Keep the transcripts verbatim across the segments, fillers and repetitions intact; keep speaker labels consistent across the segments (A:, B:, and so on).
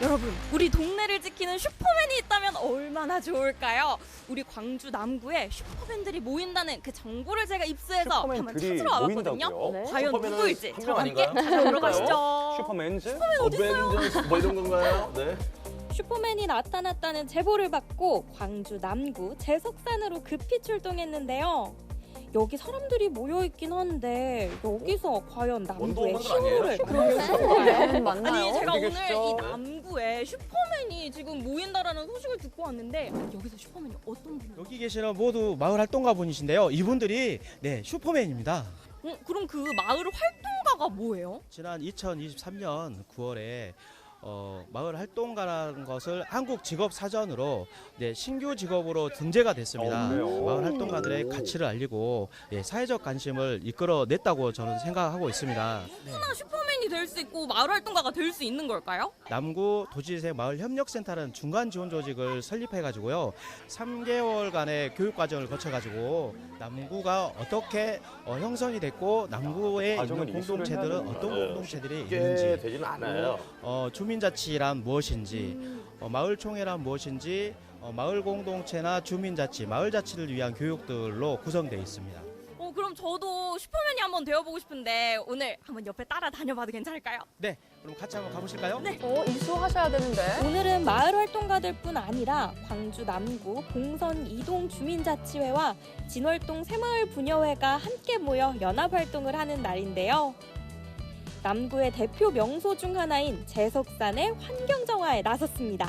A: 여러분, 우리 동네를 지키는 슈퍼맨이 있다면 얼마나 좋을까요? 우리 광주 남구에 슈퍼맨들이 모인다는 그 정보를 제가 입수해서 한번
B: 슈퍼맨들이
A: 찾으러 와봤거든요.
B: 모인다고요?
A: 네. 과연
B: 슈퍼맨은
A: 누구일지
B: 한
A: 저와
B: 명
A: 함께
B: 아닌가요?
A: 찾아보러 가시죠.
B: 슈퍼맨즈?
C: 어벤져스 뭐 이런 건가요? 네.
A: 슈퍼맨이 나타났다는 제보를 받고 광주 남구 제석산으로 급히 출동했는데요. 여기 사람들이 모여있긴 한데 여기서 과연 남구의
B: 원더우먼들 아니에요?
A: 힘을
B: 슈퍼맨?
A: 네.
D: 맞나요?
A: 아니 제가
B: 어디
A: 오늘
B: 계시죠?
A: 이 남구에 슈퍼맨이 지금 모인다라는 소식을 듣고 왔는데 여기서 슈퍼맨이 어떤 분이?
E: 여기 계시는 모두 마을 활동가 분이신데요. 이분들이 네 슈퍼맨입니다.
A: 어, 그럼 그 마을 활동가가 뭐예요?
E: 지난 이천이십삼 년 구월에 어, 마을 활동가라는 것을 한국 직업 사전으로 네, 신규 직업으로 등재가 됐습니다.
B: 어, 그래요?
E: 마을 활동가들의 가치를 알리고 예, 사회적 관심을 이끌어냈다고 저는 생각하고 있습니다. 네.
A: 하나 슈퍼맨이 될 수 있고 마을 활동가가 될 수 있는 걸까요?
E: 남구 도지재 마을 협력센터라는 중간 지원 조직을 설립해 가지고요. 삼 개월간의 교육 과정을 거쳐 가지고 남구가 어떻게 어, 형성이 됐고 남구에
B: 과정을
E: 있는
B: 이수를 해야
E: 공동체들은
B: 되는구나.
E: 어떤
C: 네.
E: 공동체들이
C: 이게
E: 있는지
C: 되지는 않아요.
E: 어, 주민자치란 무엇인지, 어, 마을총회란 무엇인지, 어, 마을 공동체나 주민자치, 마을자치를 위한 교육들로 구성되어 있습니다.
A: 어 그럼 저도 슈퍼맨이 한번 되어보고 싶은데 오늘 한번 옆에 따라 다녀봐도 괜찮을까요?
E: 네, 그럼 같이 한번 가보실까요?
A: 네.
D: 어, 이수하셔야 되는데.
A: 오늘은 마을 활동가들뿐 아니라 광주 남구 봉선 이동 주민자치회와 진월동 새마을 부녀회가 함께 모여 연합 활동을 하는 날인데요. 남구의 대표 명소 중 하나인 제석산의 환경정화에 나섰습니다.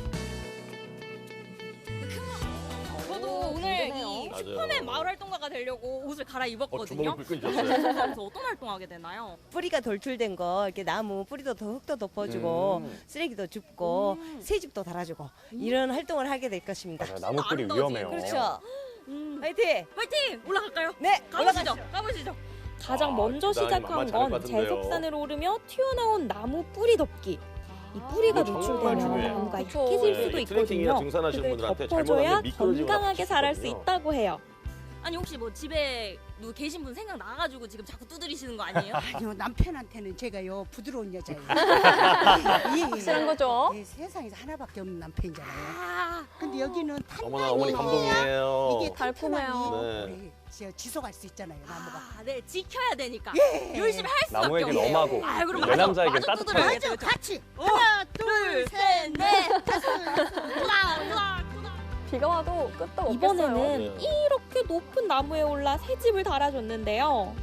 A: 저도 오늘 이
C: 맞아요.
A: 슈퍼맨 마을 활동가가 되려고 옷을
C: 어,
A: 갈아입었거든요.
C: 주먹을 불끈 쥐었어요.
A: 그래서 어떤 활동하게 되나요?
F: 뿌리가 돌출된 거 이렇게 나무 뿌리도 더 흙도 덮어주고
B: 음.
F: 쓰레기도 줍고
A: 음.
F: 새집도 달아주고 이런 활동을 하게 될 것입니다.
B: 맞아요. 나무뿌리
A: 아름다우지.
B: 위험해요.
F: 그렇죠.
A: 음.
F: 화이팅!
A: 화이팅! 올라갈까요?
F: 네,
A: 가보시죠.
F: 올라가시죠.
A: 가보시죠. 가장
C: 아,
A: 먼저
C: 기장이
A: 시작한
C: 만만치 않을 것
A: 건
C: 같은데요.
A: 제석산을 오르며 튀어나온 나무 뿌리 덮기. 이 뿌리가
C: 이거 정말
A: 노출되면
C: 중요해요.
A: 나무가
D: 그쵸.
A: 익혀질
C: 네,
A: 수도
C: 이게 트레킹이나
A: 있거든요.
C: 등산하시는
A: 그걸
C: 분들한테
A: 덮어줘야
C: 잘못하면 미끄러지거나
A: 건강하게
C: 다칠 수
A: 자랄 수
C: 있거든요.
A: 있다고 해요. 아니 혹시 뭐 집에 누구 계신 분 생각 나가지고 지금 자꾸 두드리시는 거 아니에요?
G: 아니요, 남편한테는 제가요 부드러운 여자예요. 예, 예.
D: 확실한 거죠?
G: 예, 세상에서 하나밖에 없는 남편이잖아요.
A: 아,
G: 근데 여기는
C: 어머나 어머니 감동이에요.
G: 이게
D: 달콤해요.
G: 튼튼하니
C: 네.
G: 오래 지- 지속할 수 있잖아요, 나무가.
A: 아, 네 지켜야 되니까
G: 예.
A: 열심히 할 수밖에
B: 나무에겐
A: 없네요.
B: 엄하고
A: 아, 그럼
B: 내
A: 마저-
B: 남자에겐
A: 마저
B: 따뜻하고.
A: 두드려야겠죠,
G: 맞아,
A: 그죠?
G: 같이.
A: 어,
G: 하나,
A: 둘, 셋, 넷, 다섯, 클락, 클락, 클락.
D: 비가 와도 끄떡 없겠어요.
A: 이번에는
C: 네.
A: 이렇게 높은 나무에 올라 새 집을 달아줬는데요.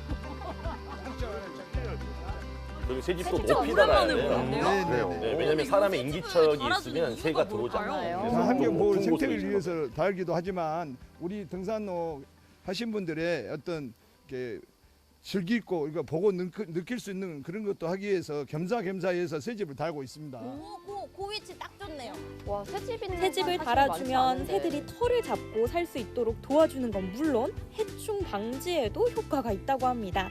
C: 그리고 새 집도
A: 진짜
C: 높이 달아야
A: 오랜만에
C: 돼요.
A: 보는데요?
B: 네,
C: 그래요.
B: 네,
C: 네,
B: 네.
C: 왜냐면 사람의 인기척이 있으면 새가
A: 이유가
C: 들어오잖아요.
A: 뭘까요?
C: 그래서
H: 환경 보호
C: 높은 곳에
H: 생태를
C: 있는
H: 위해서 달기도 하지만 우리 등산로 하신 분들의 어떤 이렇게 즐기 있고 그러니까 보고 느끼, 느낄 수 있는 그런 것도 하기 위해서 겸사겸사해서 새 집을 달고 있습니다.
A: 오, 그, 그 위치 딱 좋네요.
D: 와, 새집 있는
A: 새 집을
D: 사실
A: 달아주면
D: 많지 않은데.
A: 새들이 털을 잡고 살 수 있도록 도와주는 건 물론 해충 방지에도 효과가 있다고 합니다.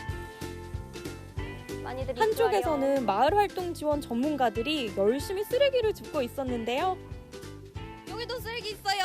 D: 많이들
A: 한쪽에서는 마을 활동 지원 전문가들이 열심히 쓰레기를 줍고 있었는데요. 여기도 쓰레기 있어요.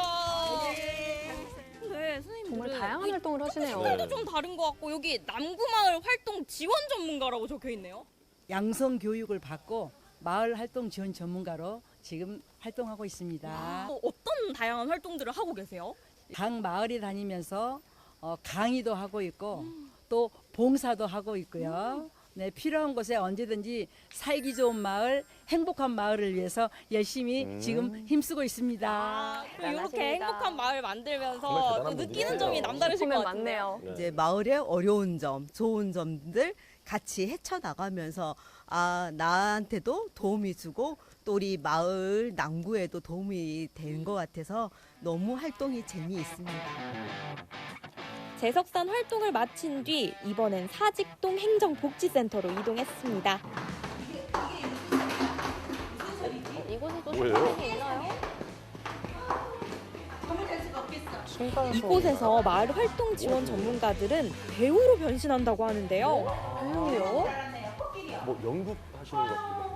A: 네, 선생님들
D: 정말 다양한 활동을 하시네요.
A: 색깔도 좀 다른 것 같고 여기 남구마을 활동 지원 전문가라고 적혀 있네요.
G: 양성 교육을 받고 마을 활동 지원 전문가로 지금 활동하고 있습니다.
A: 어, 어떤 다양한 활동들을 하고 계세요?
G: 각 마을에 다니면서 어, 강의도 하고 있고 또 봉사도 하고 있고요. 네, 필요한 곳에 언제든지 살기 좋은 마을, 행복한 마을을 위해서 열심히
B: 음.
G: 지금 힘쓰고 있습니다.
A: 아, 이렇게
D: 대단하십니다.
A: 행복한 마을
C: 정말
A: 만들면서
C: 대단한
A: 또 느끼는
C: 분들이세요.
A: 점이 남다르실 것
D: 보면
A: 같은데요.
D: 많네요.
C: 네.
F: 이제 마을의 어려운 점, 좋은 점들 같이 헤쳐나가면서 아 나한테도 도움이 주고 또 우리 마을 남구에도 도움이 되는 것 같아서 너무 활동이 재미있습니다.
A: 제석산 활동을 마친 뒤 이번엔 사직동 행정복지센터로 이동했습니다.
D: 이곳에도
C: 뭐예요?
D: 슈퍼맨이 있나요? 중간에서
A: 이곳에서 마을 활동 지원 전문가들은 배우로 변신한다고 하는데요.
D: 배우요?
C: 뭐 연극 하시는 것 같아요.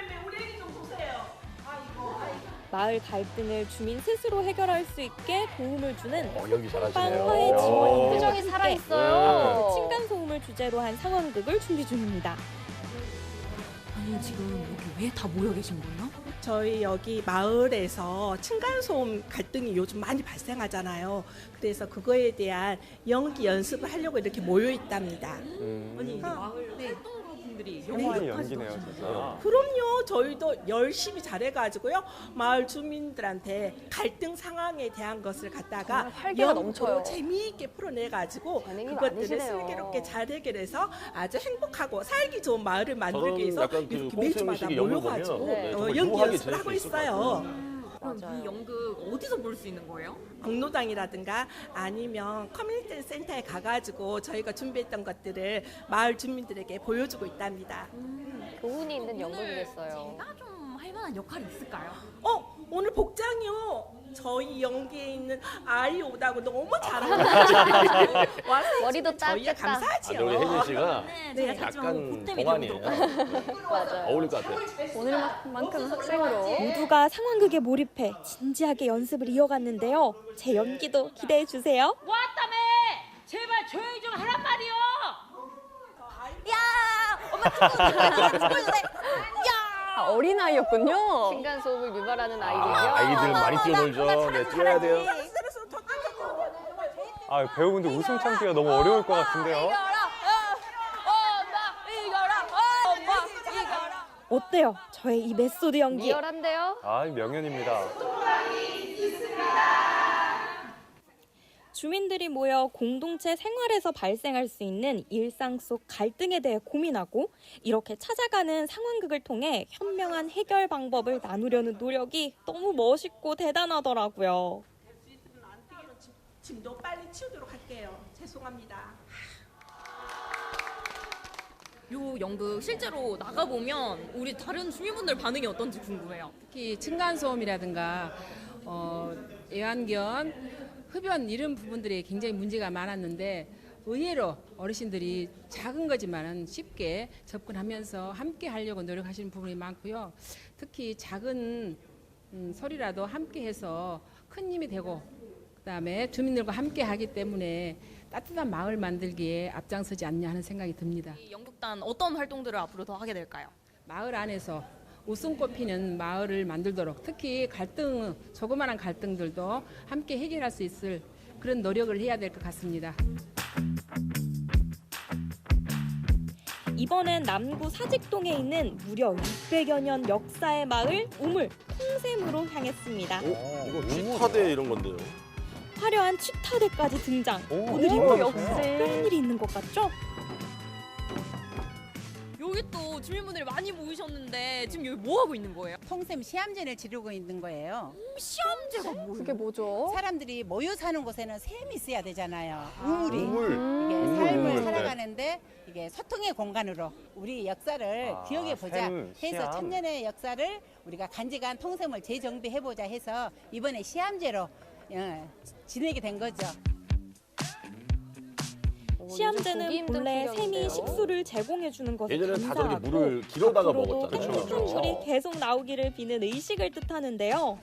A: 마을 갈등을 주민 스스로 해결할 수 있게 도움을 주는
C: 어, 연기 잘하시네요.
A: 화해
C: 야.
A: 지원인들과
D: 표정이
A: 함께
D: 살아있어요.
A: 층간 소음을 주제로 한 상황극을 준비 중입니다.
B: 아니 지금 여기 왜 다 모여 계신 거예요?
I: 저희 여기 마을에서 층간소음 갈등이 요즘 많이 발생하잖아요. 그래서 그거에 대한 연기 연습을 하려고 이렇게 모여 있답니다.
B: 아니 마을 활동가분들이
J: 생활이 연기네요, 진짜.
I: 그럼요. 저희도 열심히 잘해가지고요. 마을 주민들한테 갈등 상황에 대한 것을 갖다가
D: 정말 활기가
I: 연구로
D: 넘쳐요.
I: 재미있게 풀어내가지고
D: 재능이
I: 그것들을
D: 많으시네요.
I: 슬기롭게 잘 해결해서 아주 행복하고 살기 좋은 마을을 만들기
C: 저는
I: 위해서
C: 약간 그
I: 이렇게 매주마다
C: 꽁트식의 연극
I: 모여가지고
C: 보면
D: 네,
I: 어,
C: 정말
I: 연기
C: 유하게
I: 연습을
C: 지낼
I: 하고
C: 수 있을 것
I: 있어요.
B: 그럼
D: 맞아요.
B: 이 연극 어디서 볼 수 있는 거예요?
I: 공로당이라든가 아니면 커뮤니티 센터에 가가지고 저희가 준비했던 것들을 마을 주민들에게 보여주고 있답니다.
D: 교훈이 있는
B: 오늘
D: 연극이겠어요.
B: 제가 좀 할 만한 역할이 있을까요?
I: 어 오늘 복장이요. 저희 연기에 있는 아이 오다고 너무 잘하고 와서
D: 머리도
I: 해주면 저희가
D: 땄겠다.
C: 아,
I: 감사하지요.
C: 근데 우리 혜진 씨가
B: 네,
I: 네,
B: 제가 같이
C: 약간
B: 보탬이
C: 동안이에요.
B: 되도록
D: 맞아요.
C: 어울릴 것 같아요.
D: 오늘만큼 학생으로.
A: 모두가 상황극에 몰입해 진지하게 연습을 이어갔는데요. 제 연기도 기대해 주세요.
K: 왔다며! 제발 조용히 좀 하란 말이요!
D: 아, 어린아이였군요. 층간소음을 유발하는 아이들이요.
C: 아, 아이들 많이 뛰어놀죠. 네, 뛰어야 돼요.
J: 아, 배우분들 웃음 참기가 너무 어려울 것 같은데요.
A: 어때요? 저의 이 메소드 연기.
D: 리얼한데요?
J: 아, 명연입니다.
A: 주민들이 모여 공동체 생활에서 발생할 수 있는 일상 속 갈등에 대해 고민하고 이렇게 찾아가는 상황극을 통해 현명한 해결 방법을 나누려는 노력이 너무 멋있고 대단하더라고요.
I: 짐도 빨리 치우도록 할게요. 죄송합니다.
B: 요 연극 실제로 나가보면 우리 다른 주민분들 반응이 어떤지 궁금해요.
L: 특히 층간소음이라든가 어, 애완견, 흡연 이런 부분들이 굉장히 문제가 많았는데 의외로 어르신들이 작은 거지만은 쉽게 접근하면서 함께 하려고 노력하시는 부분이 많고요. 특히 작은 음, 소리라도 함께 해서 큰 힘이 되고 그다음에 주민들과 함께 하기 때문에 따뜻한 마을 만들기에 앞장서지 않냐 하는 생각이 듭니다.
B: 이 연극단 어떤 활동들을 앞으로 더 하게 될까요?
L: 마을 안에서 웃음꽃 피는 마을을 만들도록 특히 갈등, 조그마한 갈등들도 함께 해결할 수 있을 그런 노력을 해야 될 것 같습니다.
A: 이번엔 남구 사직동에 있는 무려 육백여 년 역사의 마을 우물 통샘으로 향했습니다.
C: 오, 이거 취타대 이런 건데요.
A: 화려한 취타대까지 등장.
J: 오,
A: 오늘 이
J: 오,
A: 무렵
D: 역시.
A: 특별한 일이 있는 것 같죠?
B: 여기 또 주민분들이 많이 모이셨는데 지금 여기 뭐 하고 있는 거예요?
M: 통샘 시험전을 지르고 있는 거예요.
B: 시험제가 뭐예요?
D: 그게 뭐죠?
M: 사람들이 모여 사는 곳에는 샘이 있어야 되잖아요. 우물이.
C: 우물.
M: 이게
C: 우물,
M: 삶을
C: 우물.
M: 살아가는데 이게 소통의 공간으로 우리 역사를
J: 아,
M: 기억해 보자
J: 샘,
M: 해서
J: 시암.
M: 천년의 역사를 우리가 간직한 통샘을 재정비해 보자 해서 이번에 시험제로 어, 지내게 된 거죠.
D: 오, 요즘 보기
A: 시험제는
D: 힘든
A: 본래 샘이
D: 풍경인데요.
A: 식수를 제공해 주는 것에
C: 예전에는 다 저렇게
A: 감사하고
C: 물을 길어다가
A: 앞으로도
C: 먹었잖아요.
A: 행복한 물이 계속 나오기를 비는 의식을 뜻하는데요.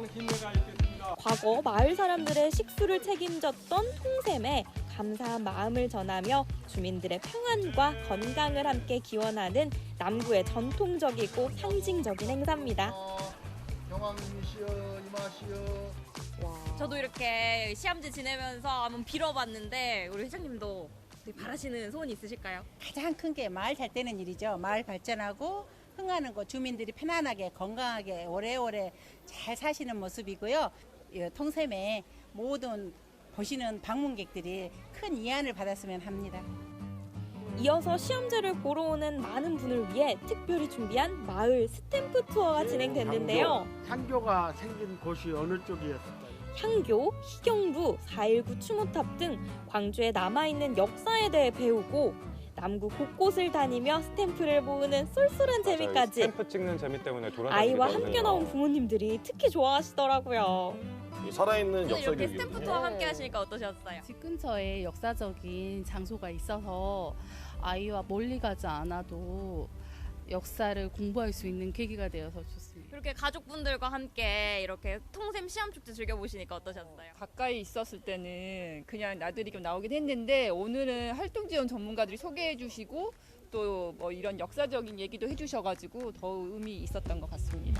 A: 과거 마을 사람들의 식수를 책임졌던 통샘에 감사한 마음을 전하며 주민들의 평안과 건강을 함께 기원하는 남구의 전통적이고 상징적인 행사입니다.
H: 영왕님이시여 이마시여.
B: 저도 이렇게 시험제 지내면서 한번 빌어봤는데 우리 회장님도 바라시는 소원 있으실까요?
M: 가장 큰 게 마을 잘 되는 일이죠. 마을 발전하고 흥하는 곳 주민들이 편안하게 건강하게 오래오래 잘 사시는 모습이고요. 이 통샘에 모든 보시는 방문객들이 큰 이안을 받았으면 합니다.
A: 이어서 시험제를 보러 오는 많은 분을 위해 특별히 준비한 마을 스탬프 투어가 진행됐는데요.
N: 향교가 생긴 곳이 어느 쪽이었을까요?
A: 향교, 희경루, 사 일구 추모탑 등 광주에 남아있는 역사에 대해 배우고 남구 곳곳을 다니며 스탬프를 모으는 쏠쏠한 재미까지
J: 스탬프 찍는 재미 때문에 돌아다니게
A: 아이와
J: 되거든요.
A: 함께 나온 부모님들이 특히 좋아하시더라고요.
C: 이 살아있는
B: 오늘
C: 역사
B: 이렇게
C: 교육이군요.
B: 스탬프 투어 함께 하시니까 어떠셨어요?
O: 집 근처에 역사적인 장소가 있어서 아이와 멀리 가지 않아도 역사를 공부할 수 있는 계기가 되어서 좋습니다.
B: 그렇게 가족분들과 함께 이렇게 통샘 시험축제 즐겨보시니까 어떠셨어요?
P: 가까이 있었을 때는 그냥 나들이 좀 나오긴 했는데 오늘은 활동지원 전문가들이 소개해 주시고 또 뭐 이런 역사적인 얘기도 해주셔가지고 더 의미 있었던 것 같습니다.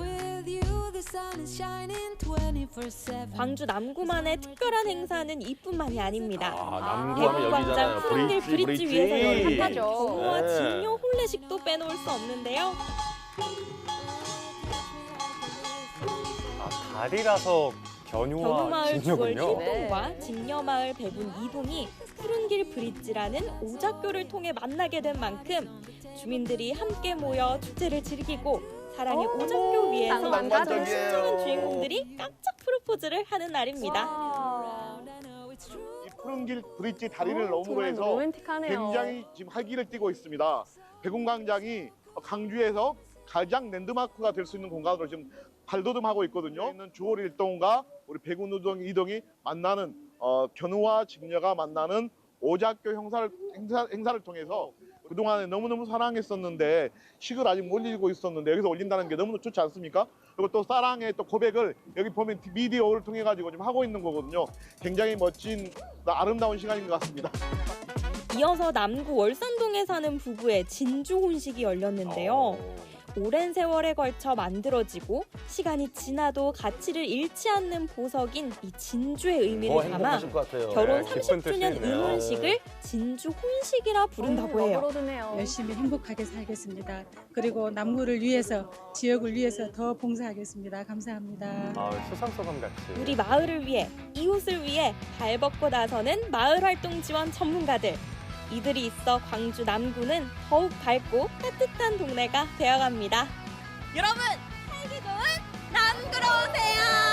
A: 광주 남구만의 특별한 행사는 이뿐만이 아닙니다.
C: 아, 남구하면 여기잖아요.
A: 대구광장 푸른길
C: 브릿지,
A: 브릿지
C: 브릿지.
A: 위에서
D: 핫하죠.
A: 경호와
C: 네.
A: 진요 혼례식도 빼놓을 수 없는데요.
J: 아, 다리라서 견유와
A: 견우마을 주월
J: 진녀군요.
A: 일동과 진녀마을 배분 이동이 푸른길 브릿지라는 오작교를 통해 만나게 된 만큼 주민들이 함께 모여 축제를 즐기고 사랑의 오작교 위에서
D: 낭만적이에요.
A: 신중한 주인공들이 깜짝 프로포즈를 하는 날입니다.
Q: 이 푸른길 브릿지 다리를
D: 어,
Q: 너머로
D: 정말
Q: 해서
D: 로맨틱하네요.
Q: 굉장히 지금 활기를 띠고 있습니다. 백운광장이 강주에서 가장 랜드마크가 될 수 있는 공간으로 지금 발돋움하고 있거든요. 있는 주월 일동과 우리 백운 이동이 만나는 어, 견우와 직녀가 만나는 오작교 행사를, 행사, 행사를 통해서 그동안에 너무너무 사랑했었는데 식을 아직 못 올리고 있었는데 여기서 올린다는 게 너무나 좋지 않습니까? 그리고 또 사랑의 또 고백을 여기 보면 미디어를 통해 가지고 지금 하고 있는 거거든요. 굉장히 멋진 아름다운 시간인 것 같습니다.
A: 이어서 남구 월산동에 사는 부부의 진주 혼식이 열렸는데요. 오랜 세월에 걸쳐 만들어지고 시간이 지나도 가치를 잃지 않는 보석인 이 진주의 의미를
C: 더
A: 담아
C: 행복하실 것 같아요.
A: 결혼
J: 네, 깊은
A: 삼십 주년
J: 뜻이 있네요.
A: 응원식을 진주 혼식이라 부른다고 해요.
D: 너그러드네요.
R: 열심히 행복하게 살겠습니다. 그리고 남구를 위해서, 지역을 위해서 더 봉사하겠습니다. 감사합니다.
J: 아, 수상소감 같이.
A: 우리 마을을 위해, 이웃을 위해 발벗고 나서는 마을활동 지원 전문가들. 이들이 있어 광주 남구는 더욱 밝고 따뜻한 동네가 되어갑니다.
B: 여러분, 살기 좋은 남구로 오세요.